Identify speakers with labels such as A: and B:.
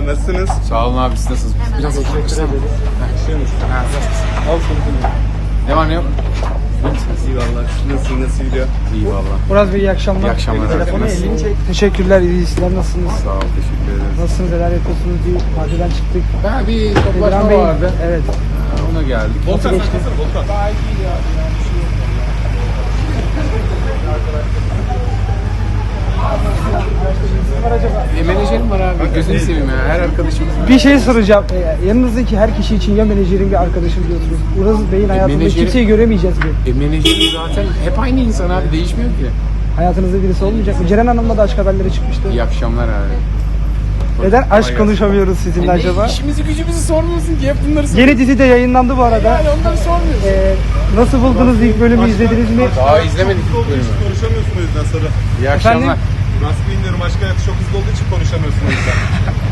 A: merhabalar, nasılsınız?
B: Sağ olun abi, siz nasılsınız? Biraz oturur musun?
A: Al sonucunu.
B: Ne var ne yok?
A: İyi valla, nasıl gidiyor?
B: İyi valla.
C: Murat Bey iyi akşamlar.
B: İyi akşamlar.
C: Telefonu
B: Nasılsınız?
C: elini çek. Teşekkürler, iyi sizler nasılsınız?
B: Sağ ol, teşekkür ederiz.
C: Nasılsınız, neler yapıyorsunuz? Bir partiden çıktık.
B: Bir
C: İbrahim
B: toplaşma
C: Bey,
B: vardı.
C: evet.
B: Ona geldik.
A: Volkan sen
C: geçti?
A: nasılsın Volkan?
B: Menajerim var abi, gözünü seveyim ya. Her arkadaşımız var.
C: Bir şey soracağım. Yanınızdaki her kişi için ya menajerin bir arkadaşım diyorsunuz. Uraz Bey'in hayatında
B: menajeri-
C: kimseyi göremeyeceğiz mi?
B: Menajerim zaten hep aynı insan abi, değişmiyor ki.
C: Hayatınızda birisi olmayacak mı? Ceren Hanım'la da aşk haberleri çıkmıştı.
B: İyi akşamlar abi.
C: Neden aşk konuşamıyoruz sizinle acaba?
B: İşimizi gücümüzü sormuyorsun ki, hep bunları soruyorsun.
C: Yeni dizi de yayınlandı bu arada.
B: Yani onları sormuyorsun.
C: Nasıl buldunuz ilk bölümü izlediniz mi?
B: Daha izlemedik
A: Hızlı
B: ilk
A: olduğu için
B: bölümü.
A: konuşamıyorsun o yüzden sonra.
B: İyi akşamlar.
C: Efendim?
A: Murat Bey'in diyorum, aşk hayatı çok hızlı olduğu için konuşamıyorsun o yüzden.